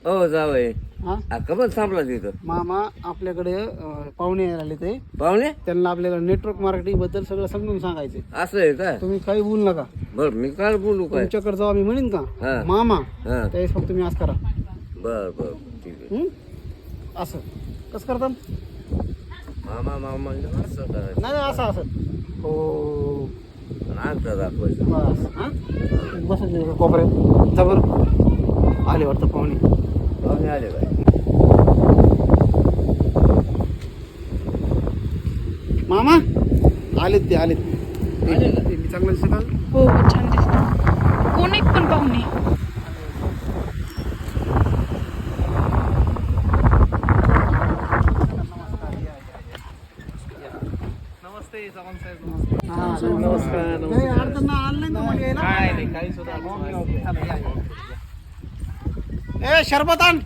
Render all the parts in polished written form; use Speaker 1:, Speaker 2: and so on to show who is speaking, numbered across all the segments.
Speaker 1: हो जावय.
Speaker 2: हा
Speaker 1: कमल थांबला तिथं
Speaker 2: मामा आपल्याकडे पाहुणे यायला आले ते
Speaker 1: पाहुणे.
Speaker 2: त्यांना आपल्याकडे नेटवर्क मार्केटिंग बद्दल सगळं समजून सांगायचे.
Speaker 1: असं आहे का?
Speaker 2: तुम्ही काही बोलू नका.
Speaker 1: बर मी काय बोलू काय?
Speaker 2: तुमच्याकडे जेव्हा मी म्हणेन
Speaker 1: हा.
Speaker 2: का मामा
Speaker 1: हा
Speaker 2: त्यावेळेस फक्त तुम्ही असं करा.
Speaker 1: बर बर ठीक आहे.
Speaker 2: असं कसं करता?
Speaker 1: मामा मामा असं करायचं.
Speaker 2: नाही नाही, असं असं हो
Speaker 1: नाक दाखवायचं.
Speaker 2: बस. हा बस कोपऱ्यात जबर आले वाटतं पाहुणे.
Speaker 1: पाहुणे आले काय?
Speaker 2: मामा आलेत ते आलेत. मी चांगलं दिसत का?
Speaker 3: हो छान दिसत. कोण एक पण पाहुणे.
Speaker 2: हा, नमस्कार. काही अडचण नाही, आलं नाही ना मध्ये यायला? ए शरबत आण.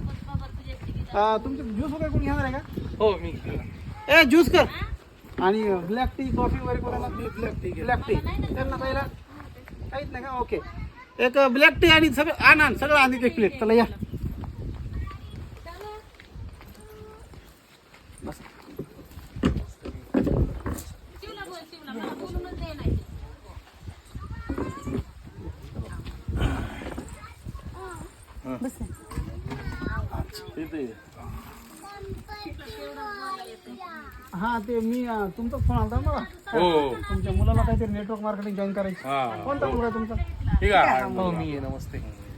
Speaker 2: तुमचं ज्यूस वगैरे कोणी घेणार आहे का?
Speaker 4: हो मी
Speaker 2: ए ज्यूस कर. आणि ब्लॅक टी कॉफी वगैरे कोणाला? ब्लॅक टी त्यांना पहिला काहीच नाही का? ओके एक ब्लॅक टी आणि सगळं आण सगळं आण एक प्लेट. चला या बस. हा ते मी तुमचा फोन आला मला.
Speaker 4: हो
Speaker 2: तुमच्या मुलाला काहीतरी नेटवर्क मार्केटिंग जॉईन करायची. कोणता मुलगा आहे तुमचा?
Speaker 4: ठीक आहे. हो मी आहे. नमस्ते.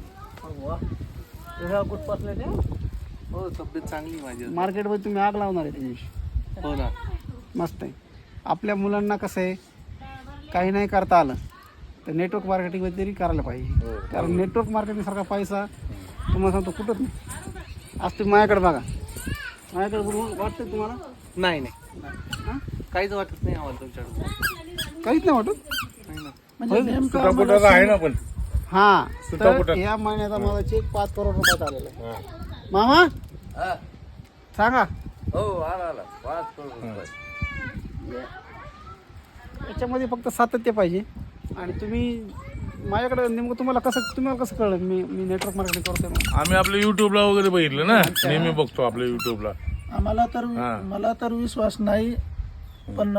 Speaker 2: कुठपासले ते
Speaker 4: हो तब्येत चांगली माझी.
Speaker 2: मार्केटमध्ये तुम्ही आग लावणार आहे तुम्ही.
Speaker 4: हो ना.
Speaker 2: मस्त आहे. आपल्या मुलांना कसं आहे काही नाही करता आलं तर नेटवर्क मार्केटिंग तरी करायला पाहिजे. कारण नेटवर्क मार्केटिंग सारखा पैसा तुम्हाला सांगतो कुठंच नाही. आज तुम्ही माझ्याकडे बघा. माझ्याकडे बघून वाटतं तुम्हाला?
Speaker 4: नाही नाही काहीच वाटत नाही आम्हाला तुमच्याकडून.
Speaker 2: काहीच नाही वाटत.
Speaker 4: आहे ना पण.
Speaker 2: हा तर
Speaker 4: सुटापुटा.
Speaker 2: या महिन्याचा माझा चेक 5 करोड रुपयात आलेला आहे. मामा
Speaker 1: हा.
Speaker 2: सांगा.
Speaker 1: हो आला आला 5 करोड रुपये.
Speaker 2: याच्यामध्ये फक्त सातत्य पाहिजे. आणि तुम्ही माझ्याकडे नेमकं तुम्हाला कसं कळलं मी नेटवर्क मार्केटिंग करतोय म्हणून?
Speaker 4: आम्ही आपल्या युट्यूबला वगैरे बघितलं ना. नेहमी बघतो आपल्या युट्यूबला.
Speaker 5: मला तर विश्वास नाही पण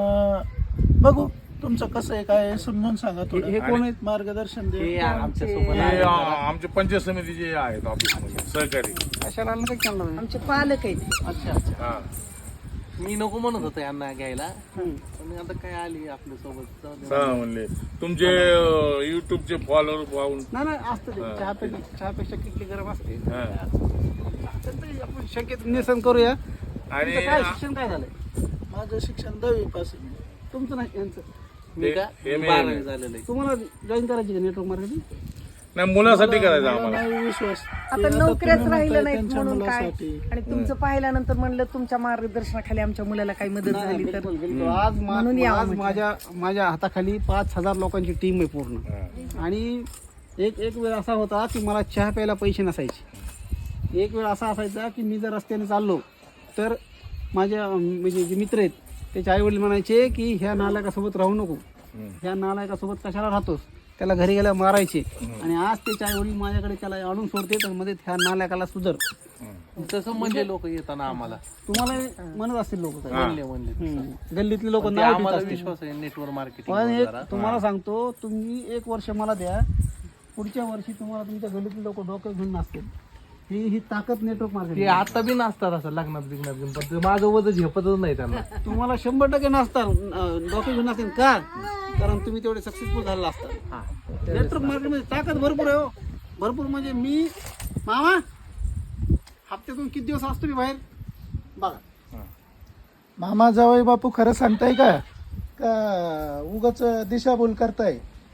Speaker 5: बघू तुमचं कसं आहे काय आहे समजून सांगा.
Speaker 2: हे कोण आहेत?
Speaker 5: मार्गदर्शन दे.
Speaker 4: हे आमचे पंचायत समितीचे आहेत ऑफिसमध्ये सहकारी.
Speaker 2: कशाला आलं काही चालणार नाही.
Speaker 3: आमचे पालक आहेत.
Speaker 2: अच्छा अच्छा.
Speaker 4: हा.
Speaker 6: मी नको म्हणत होतो यांना घ्यायला
Speaker 2: हम्म.
Speaker 6: पण आता काय आली आपल्या सोबत.
Speaker 4: म्हणले तुमचे युट्यूबचे फॉलोअर पाहून.
Speaker 2: नाही असतं ते. चहापेक्षा किती गरम असते.
Speaker 4: हा.
Speaker 2: तर ते आपण शक्यतो निसन करूया.
Speaker 4: आणि
Speaker 2: तुमचं काय शिक्षण काय झालंय?
Speaker 5: माझं शिक्षण 10वी पास.
Speaker 2: तुमचं नाही यांचं.
Speaker 6: मी का
Speaker 4: हे मी-
Speaker 6: 12वी झालेलं आहे.
Speaker 2: तुम्हाला जॉईन करायची का नेटवर्क मार्केटिंग?
Speaker 4: नाही मुलासाठी करायचं आम्हाला.
Speaker 5: नाही विश्वास.
Speaker 3: आता नोकऱ्याच राहिलं नाहीत
Speaker 5: त्यांच्या
Speaker 3: म्हणून काय.
Speaker 5: मुलासाठी.
Speaker 3: आणि तुमचं पाहिल्यानंतर म्हणलं तुमच्या मार्गदर्शनाखाली आमच्या मुलाला काही मदत झाली तर
Speaker 2: आज
Speaker 3: म्हणून यावं
Speaker 2: आज
Speaker 3: म्हटलं.
Speaker 2: माझ्या हाताखाली 5,000 लोकांची टीम आहे पूर्ण. आणि एक वेळ असा होता की मला चहा प्यायला पैसे नसायचे. एक वेळ असा असायचा की मी जर रस्त्याने चाललो तर माझ्या म्हणजे जे मित्र आहेत त्याचे आई वडील म्हणायचे की ह्या नालायकासोबत राहू नको. ह्या नालायकासोबत कशाला राहतोस, त्याला घरी गेल्या मारायचे. आणि आज त्याचे आई वडील माझ्याकडे त्याला आणून सोडते तर मध्ये ह्या नालायकाला सुधर.
Speaker 6: तसं म्हणजे लोक येताना आम्हाला
Speaker 2: तुम्हाला म्हणत असतील लोक
Speaker 6: म्हणले
Speaker 2: गल्लीतले लोक
Speaker 6: ते आम्हाला विश्वास आहे नेटवर्क
Speaker 2: पण
Speaker 6: मार्केटिंग.
Speaker 2: एक तुम्हाला सांगतो तुम्ही 1 वर्ष मला द्या. पुढच्या वर्षी तुम्हाला तुमच्या गल्लीतले लोक डोकं घेऊन नसतील. ही ताकद नेटवर्क
Speaker 6: ते
Speaker 2: मार्केटिंग.
Speaker 6: आता बी नसतात असं लग्नात बिग्नात घेऊन पण ते माझं वजन झेपतच नाही त्यांना.
Speaker 2: तुम्हाला 100% नसतात डोके घेऊन नसतील का? कारण तुम्ही तेवढे सक्सेसफुल झालेला असतात. नेटवर्क मार्केटमध्ये ताकद भरपूर आहे. हो भरपूर म्हणजे मी मामा हप्त्यातून किती दिवस असतो मी बाहेर बघा.
Speaker 5: मामा जावई बापू खरं सांगताय का उगाच दिशाभूल करताय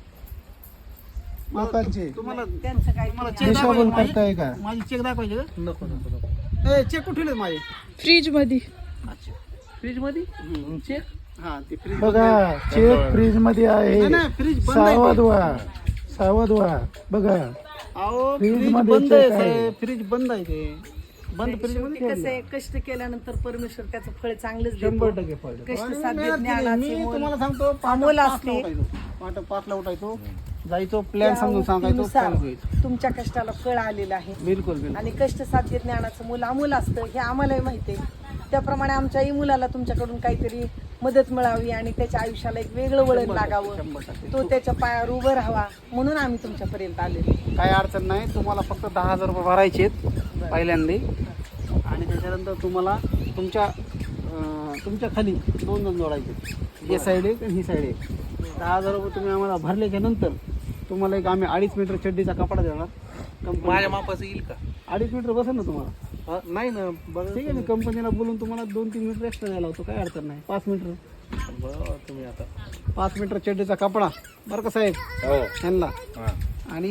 Speaker 5: लोकांची?
Speaker 2: तुम्हाला
Speaker 3: त्यांचं काय
Speaker 2: चेक
Speaker 5: दिशाभूल करताय का?
Speaker 2: माझी चेक दाखवायचे का?
Speaker 6: नको नको नको.
Speaker 2: चेक कुठे ठेवले माझे?
Speaker 3: फ्रीज मध्ये.
Speaker 6: फ्रीज मध्ये चेक.
Speaker 2: हा ते फ्रीज
Speaker 5: बघा चेक फ्रीज मध्ये आहे.
Speaker 2: नाही फ्रीज बंद आहे.
Speaker 5: सावध व्हा बघा.
Speaker 2: अहो
Speaker 5: फ्रीज
Speaker 2: फ्रीज
Speaker 5: मध्ये
Speaker 2: बंद आहे
Speaker 5: check आहे.
Speaker 2: साहेब. फ्रीज बंद आहे ते. बंद फ्रीज मध्ये
Speaker 3: कसं
Speaker 2: ठेवलंय.
Speaker 3: आहे कष्ट केल्यानंतर परमेश्वर त्याचं फळ चांगलंच
Speaker 2: 100% पडलं.
Speaker 3: कष्ट
Speaker 2: आणि
Speaker 3: साध्य
Speaker 2: मेहनत केली.
Speaker 3: ज्ञानाचे
Speaker 2: मी
Speaker 3: मोल
Speaker 2: तुम्हाला सांगतो
Speaker 3: अमोल
Speaker 2: 5ला
Speaker 3: असते.
Speaker 2: उठायचो. 5ला उठायचो जायचो प्लॅन समजून सांगायचो
Speaker 3: नुसार
Speaker 2: follow करायचो.
Speaker 3: तुमच्या कष्टाला फळ आलेलं आहे
Speaker 2: बिलकुल बिलकुल
Speaker 3: आणि कष्ट साध्य ज्ञानाचं मूल अमूल असतं हे आम्हालाही माहिती आहे. त्याप्रमाणे आमच्याही मुलाला तुमच्याकडून काहीतरी मदत मिळावी आणि त्याच्या आयुष्याला एक वेगळं वळण लागावं,
Speaker 2: 100%.
Speaker 3: तो त्याच्या पायावर उभं राहावा म्हणून आम्ही तुमच्यापर्यंत आलेलो.
Speaker 2: काही अडचण नाही. तुम्हाला फक्त 10,000 रुपये भरायचे आहेत पहिल्यांदा आणि त्याच्यानंतर तुम्हाला तुमच्या खाली 2 जण जोडायचे. हे साईड आहे आणि ही साईड आहे. 10,000 रुपये तुम्ही आम्हाला भरल्याच्या नंतर तुम्हाला एक आम्ही 2.5 मीटर चड्डीचा कपडा देणार.
Speaker 6: माझ्या मापाचं येईल का?
Speaker 2: 2.5 मीटर बसेल ना तुम्हाला?
Speaker 6: नाही ना, बरं
Speaker 2: ठीक आहे, मी कंपनीला बोलून तुम्हाला 2-3 मीटर एक्स्ट्रा द्यायला होतो. काही अडचण नाही. 5 मीटर
Speaker 6: बरं, तुम्ही आता
Speaker 2: 5 मीटर चड्डीचा कपडा बरं का साहेब
Speaker 4: हो
Speaker 2: ह्यांना.
Speaker 4: हा.
Speaker 2: आणि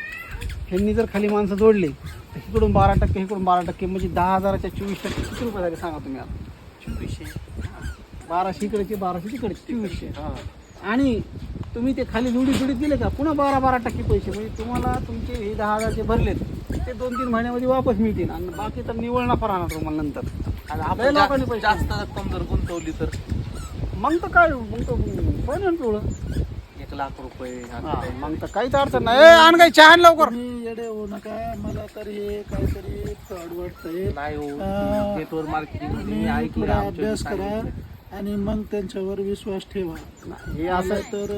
Speaker 2: ह्यांनी जर खाली माणसं जोडली तर इकडून 12% इकडून 12% म्हणजे 10,000च्या 24% किती रुपये झाले सांगा तुम्ही आता?
Speaker 6: 2400.
Speaker 2: 1200 इकडेचे 1200 तिकडचे 2400. आणि तुम्ही ते खाली जोडीत दिले का पुन्हा 12% पैसे म्हणजे तुम्हाला तुमचे हे 10,000 भरलेत ते 2-3 महिन्यामध्ये वापस मिळतील आणि बाकी तर निवळ नफा राहणार तुम्हाला नंतर.
Speaker 6: आणि
Speaker 2: लय
Speaker 6: आपण
Speaker 2: लोकांनी पैसे
Speaker 6: जास्त रक्कम जर गुंतवली तर
Speaker 2: मग तर काय मग तर पण पिवळं
Speaker 6: 1,00,000 रुपये.
Speaker 2: मग तर काहीच अडचण नाही. आण काही चहा आण लवकर.
Speaker 5: तुम्ही येडे होऊ नका. मला तर हे काहीतरी फ्रॉड वाटतंय.
Speaker 6: नाही हो,
Speaker 5: अं,
Speaker 6: नेटवर्क मार्केटिंग
Speaker 5: तुम्ही थोडा अभ्यास करा आणि मग त्यांच्यावर विश्वास ठेवा.
Speaker 2: हे असं
Speaker 5: तर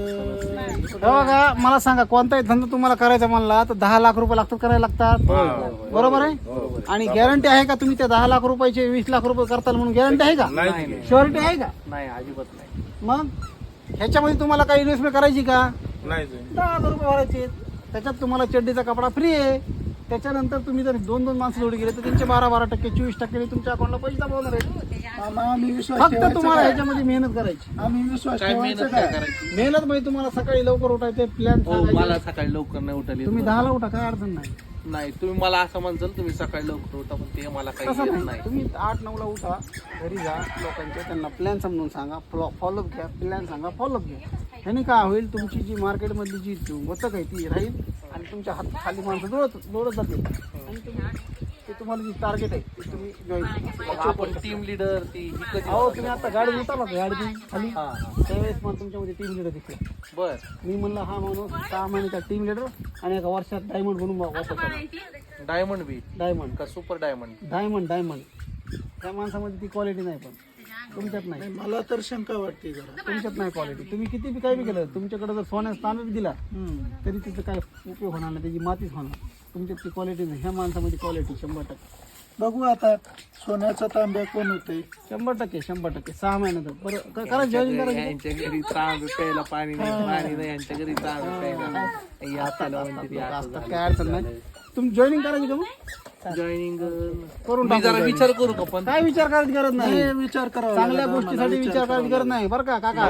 Speaker 2: हे बघा मला सांगा कोणताही धंदा तुम्हाला करायचा म्हणला तर 10 लाख रुपये लागतात करायला लागतात. बरोबर आहे. आणि गॅरंटी आहे का तुम्ही त्या 10 लाख रुपयाचे 20 लाख रुपये करताल म्हणून गॅरंटी आहे का?
Speaker 4: नाही.
Speaker 2: शुअरिटी आहे का?
Speaker 6: नाही, अजिबात नाही.
Speaker 2: मग ह्याच्यामध्ये तुम्हाला काही इन्व्हेस्टमेंट करायची का?
Speaker 4: नाही
Speaker 2: 10,000 रुपये भरायचे. त्याच्यात तुम्हाला चड्डीचा कपडा फ्री आहे. त्याच्यानंतर तुम्ही जर 2-2 माणसं जोडी गेले तर त्यांचे 12% 24% तुमच्या अकाउंटला पैसे जमवणार आहेत.
Speaker 5: मामा आम्ही विश्वास
Speaker 2: फक्त
Speaker 5: ठेवायचा
Speaker 2: तुम्हाला
Speaker 5: काय?
Speaker 2: ह्याच्यामध्ये मेहनत करायची.
Speaker 5: आम्ही विश्वास
Speaker 6: काय
Speaker 5: ठेवायचा
Speaker 6: मेहनत काय
Speaker 5: काय?
Speaker 6: करायची?
Speaker 2: मेहनत म्हणजे तुम्हाला सकाळी लवकर उठायचे प्लॅन
Speaker 6: हो, मला सकाळी लवकर नाही उठले.
Speaker 2: तुम्ही 10ला उठा काय अडचण नाही.
Speaker 6: नाही, तुम्ही मला असं म्हणसाल तुम्ही सकाळी लवकर उठा, पण ते मला काही
Speaker 2: तसं
Speaker 6: येत
Speaker 2: नाही.
Speaker 6: नाही.
Speaker 2: तुम्ही 8-9ला उठा घरी जा लोकांच्या त्यांना प्लॅन समजून सांगा फॉलोअप घ्या. प्लॅन सांगा फॉलोअप घ्या. ह्याने काय होईल तुमची जी मार्केटमधली जी वचक आहे ती राहील आणि तुमच्या हात खाली माणसं जोडत जातील आणि ते तुम्हाला जी टार्गेट आहे ते तुम्ही जॉईन
Speaker 6: आपण टीम लीडर ती ही कधी
Speaker 2: अहो तुम्ही आता गाडी उतरला का गाडी खाली
Speaker 6: हा, हा.
Speaker 2: त्यावेळेस मला तुमच्यामध्ये टीम लीडर दिसले.
Speaker 6: बर.
Speaker 2: मी म्हणलं हा माणूस 6 महिन्याचा टीम लीडर आणि एका वर्षात डायमंड बनून वापस आला.
Speaker 6: डायमंड बी
Speaker 2: डायमंड
Speaker 6: का सुपर डायमंड?
Speaker 2: डायमंड त्या माणसामध्ये ती क्वालिटी नाही पण तुमच्यात नाही.
Speaker 5: मला तर शंका वाटते जरा.
Speaker 2: तुमच्यात नाही क्वालिटी. तुम्ही किती बी काही बी केलं तुमच्याकडे जर सोन्याचा तांबा बी दिला तरी तिचं काय उपयोग होणार नाही. त्याची मातीच होणार. तुमच्यात ती क्वालिटी नाही. ह्या माणसामध्ये क्वालिटी 100%.
Speaker 5: बघू आता सोन्याचा तांब्या कोण होते.
Speaker 2: 100%. 6 महिन्यात बरं करा जॉईन करा.
Speaker 6: यांच्या घरी तांब प्यायला पाणी नाही, पाणी नाही यांच्या घरी तांब प्यायला. या चालू म्हणते
Speaker 2: असतात काय अडचण नाही. तुम्ही जॉईनिंग करायची का मग?
Speaker 6: जॉईनिंग
Speaker 2: करून
Speaker 6: मी
Speaker 2: टाकू
Speaker 6: जरा
Speaker 2: joining.
Speaker 6: विचार करू का? पण
Speaker 2: काय विचार करायची गरज नाही.
Speaker 5: हे विचार करावा
Speaker 2: चांगल्या
Speaker 5: लागेल
Speaker 2: गोष्टीसाठी
Speaker 5: आम्हाला,
Speaker 2: विचार करायची गरज नाही बरं का काका.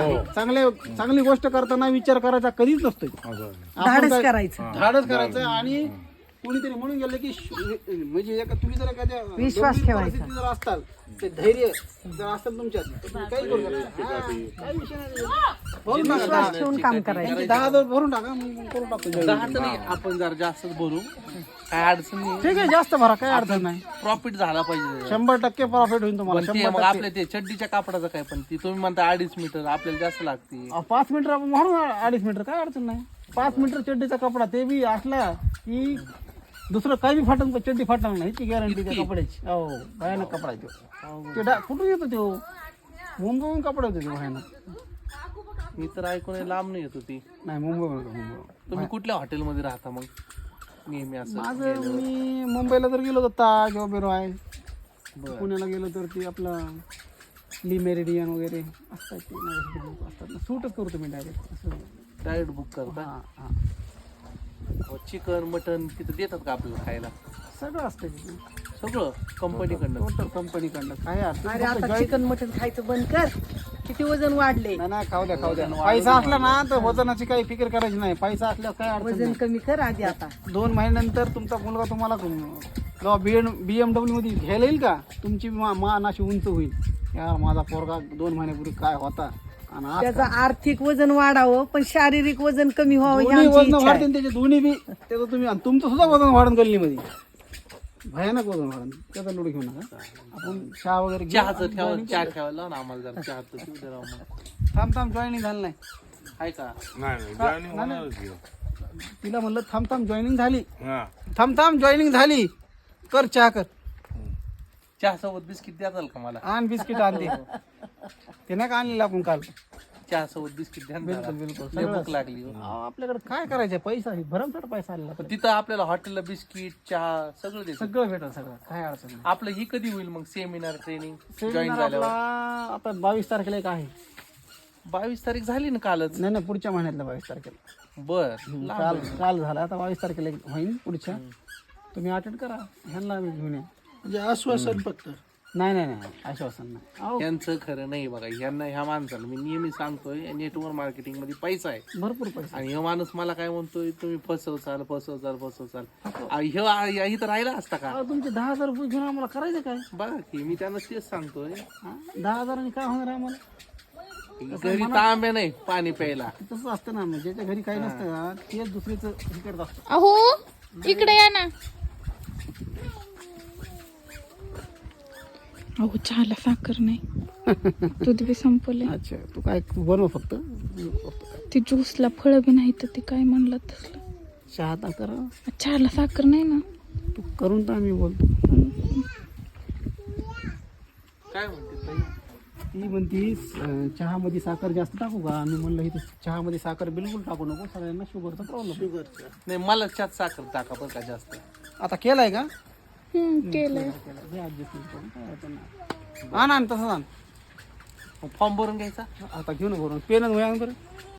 Speaker 2: चांगली गोष्ट करताना विचार करायचा कधीच नसतोय. आपण
Speaker 3: धाडस
Speaker 2: काय-
Speaker 3: करायचं.
Speaker 2: धाडस करायचं आणि कोणीतरी म्हणून गेलं की म्हणजे तुम्ही जर एखाद्या
Speaker 3: विश्वास
Speaker 2: गंभीर
Speaker 3: ठेवायचा.
Speaker 2: परिस्थितीत जर असताल ते धैर्य जर असेल तुमच्यात तर तुम्ही काही करू शकता. हा, काही विषय नाही. भरून टाका.
Speaker 3: विश्वास ठेवून काम करायचं.
Speaker 2: 10,000 भरून टाका मग करून टाकतो join.
Speaker 6: 10 तर नाही, आपण जरा जास्तच बोलू. काय अडचण नाही.
Speaker 2: ठीक आहे जास्त भरा काय अडचण नाही.
Speaker 6: प्रॉफिट झाला पाहिजे.
Speaker 2: 100% प्रॉफिट होईल तुम्हाला.
Speaker 6: पण ते मग आपल्या ते चड्डीच्या कापडाचं काय? पण ती तुम्ही म्हणता 2.5 मीटर आपल्याला जास्त लागते.
Speaker 2: 5 मीटर आपण म्हणून 2.5 मीटर काय अडचण नाही. 5 मीटर चड्डीचा कपडा ते बी असला की दुसरं काही बी फाटन चड्डी फाटणार नाही. ती गॅरंटी त्या कपड्याची. हो भयानक कपडा आहे तो. ते कुठून येतो तो? मुंबईहून कपडा येतो तो भयानक.
Speaker 6: मी तर ऐकून लांब नाही येत होती.
Speaker 2: नाही मुंबई.
Speaker 6: तुम्ही कुठल्या हॉटेलमध्ये राहता मग नेहमी असं?
Speaker 2: माझं मी मुंबईला जर गेलो तर ताज वगैरे आहे.
Speaker 6: बरं.
Speaker 2: पुण्याला गेलो तर ते आपलं ली मेरिडियन वगैरे असतात ते माझ्यासाठी लोक असतात ना. सूटच करतो मी डायरेक्ट असं.
Speaker 6: डायरेक्ट बुक करता?
Speaker 2: हां हां
Speaker 6: चिकन मटन तिथं देतात का आपल्याला खायला?
Speaker 2: सगळं असतं तिथे.
Speaker 6: सगळं कंपनीकडनं?
Speaker 2: टोटल कंपनीकडनं काय अडचण
Speaker 3: अरे
Speaker 2: नाही.
Speaker 3: आता चिकन मटन खायचं बंद कर. किती वजन वाढले.
Speaker 2: नाही खाऊ द्या. पैसा असला ना तर वजनाची काही फिकर करायची नाही. पैसा असल्यावर काय अडचण
Speaker 3: वजन
Speaker 2: नाही.
Speaker 3: कमी कर आधी. आता
Speaker 2: 2 महिन्यानंतर तुमचा मुलगा तुम्हाला BMW मध्ये घ्यायला येईल का? तुमची मान अशी उंच होईल. यार माझा पोरगा 2 महिन्यापूर्वी काय होता आणि आज
Speaker 3: त्याचं आर्थिक वजन वाढावं पण शारीरिक वजन कमी व्हावं ही
Speaker 2: दोन्ही
Speaker 3: आमची
Speaker 2: वजन
Speaker 3: इच्छा आहे.
Speaker 2: वाढते त्याचे दोन्ही बी. त्याचं तुम्ही आणि तुमचं सुद्धा वजन वाढून गल्लीमध्ये भयानक वजन वाढून. त्याचा लोड घेऊ नका. आपण चहा वगैरे घेऊ.
Speaker 6: चहाचं ठेवा, चहा ठेवायला ना आम्हाला जरा चहाचं पिऊ दे राव मग.
Speaker 2: थांब जॉईनिंग झालं नाही.
Speaker 6: आहे का?
Speaker 4: नाही joining होणारच की.
Speaker 2: तिला म्हणलं थांब जॉईनिंग झाली,
Speaker 4: हा
Speaker 2: थांब जॉईनिंग झाली, कर चहा कर,
Speaker 6: चहा सोबत बिस्किट द्याल का मला?
Speaker 2: आण बिस्किट आणते. ते नाही का आणलेलं आपण काल.
Speaker 6: चहा सोबत बिस्किट द्या ना जरा.
Speaker 2: बिलकुल
Speaker 6: लय भूक लागली हो.
Speaker 2: आपल्याकडे काय करायचं, पैसा आहे, भरमसाठ पैसा आलेला.
Speaker 6: पण तिथं आपल्याला हॉटेलला बिस्किट चहा सगळं देतात.
Speaker 2: सगळं भेटेल, सगळं काय अडचण नाही.
Speaker 6: आपलं ही कधी होईल मग सेमिनार ट्रेनिंग जॉईन
Speaker 2: सेमिनार
Speaker 6: झाल्यावर?
Speaker 2: आपला आता 22 तारखेला एक आहे.
Speaker 6: 22 तारीख झाली ना कालच.
Speaker 2: नाही पुढच्या महिन्यातल्या 22 तारखेला.
Speaker 6: बर
Speaker 2: काल झाला, आता 22 तारखेला एक होईल पुढच्या. तुम्ही अटेंड करा, ह्यांना आम्ही घेऊन या.
Speaker 5: म्हणजे आश्वासन फक्त.
Speaker 2: नाही आश्वासन नाही. अहो,
Speaker 6: यांचं खरं नाही बघा. ह्यांना ह्या माणसाला मी नेहमी सांगतोय नेटवर्क मार्केटिंग मध्ये पैसा आहे.
Speaker 2: भरपूर पैसा.
Speaker 6: आणि हा माणूस मला काय म्हणतोय, तुम्ही फसवचाल. ह्यो इथं राहिला असता का?
Speaker 2: अहो, तुमचे 10,000 रुपये घेऊन आम्हाला करायचं काय?
Speaker 6: बघा की मी त्यांना तेच सांगतोय.
Speaker 2: 10,000 काय होणार आहे आम्हाला?
Speaker 6: घरी तांब्या नाही पाणी प्यायला.
Speaker 2: तसंच असतं ना, म्हणजे ज्याच्या घरी काही नसतं ना, तेच दुसरीचं हे करत असतं.
Speaker 7: अहो इकडे या ना. अहो चहाला साखर नाही, दूध बी संपले.
Speaker 2: अच्छा, तू काय बनव फक्त.
Speaker 7: ती ज्यूसला फळं बी नाही तर ते काय म्हणलं तसलं.
Speaker 2: चहा तर करा.
Speaker 7: चहाला साखर नाही ना.
Speaker 2: तू करून तर आम्ही बोलतो.
Speaker 6: काय म्हणते ताई?
Speaker 2: ती म्हणती चहामध्ये साखर जास्त टाकू का? मी म्हणलं इथं चहामध्ये साखर बिलकुल टाकू नको, सगळ्यांना शुगरचा प्रॉब्लेम.
Speaker 6: नाही मला त्यात साखर टाका बरं का जास्त.
Speaker 2: आता केलाय का?
Speaker 7: केलंय.
Speaker 2: आण तसंच आण.
Speaker 6: फॉर्म भरून घ्यायचा.
Speaker 2: आता घेऊ ना भरून. पेन वया बरं.